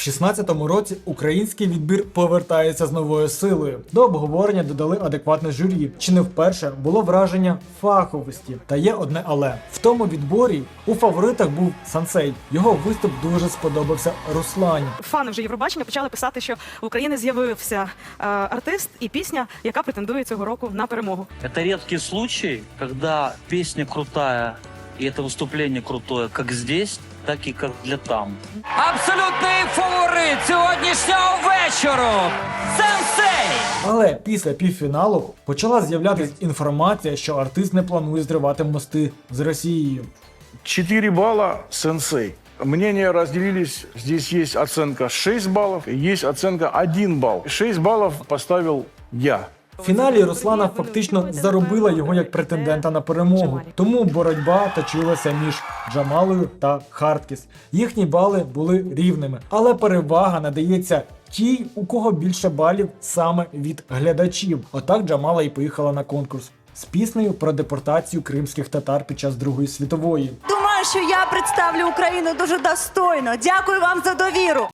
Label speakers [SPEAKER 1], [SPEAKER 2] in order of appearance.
[SPEAKER 1] 16-му році український відбір повертається з новою силою. До обговорення додали адекватне журі. Чи не вперше було враження фаховості. Та є одне але. В тому відборі у фаворитах був Сансей. Його виступ дуже сподобався Руслані.
[SPEAKER 2] Фани вже Євробачення почали писати, що в Україні з'явився артист і пісня, яка претендує цього року на перемогу.
[SPEAKER 3] Это редкий случай, когда песня крутая, и это выступление крутое, как здесь, так и как для там.
[SPEAKER 4] Абсолютний фаворит сьогоднішнього вечору – Сенсей!
[SPEAKER 1] Але після півфіналу почала з'являтися інформація, що артист не планує зривати мости з Росією.
[SPEAKER 5] 4 балла «Сенсей». Мнения разделились. Здесь есть оценка 6 баллов, есть оценка 1 балл. 6 баллов поставил я.
[SPEAKER 1] В фіналі Руслана фактично заробила його як претендента на перемогу. Тому боротьба точилася між Джамалою та Хардкіс. Їхні бали були рівними, але перевага надається тій, у кого більше балів саме від глядачів. Отак Джамала і поїхала на конкурс з піснею про депортацію кримських татар під час Другої світової.
[SPEAKER 6] Думаю, що я представлю Україну дуже достойно. Дякую вам за довіру.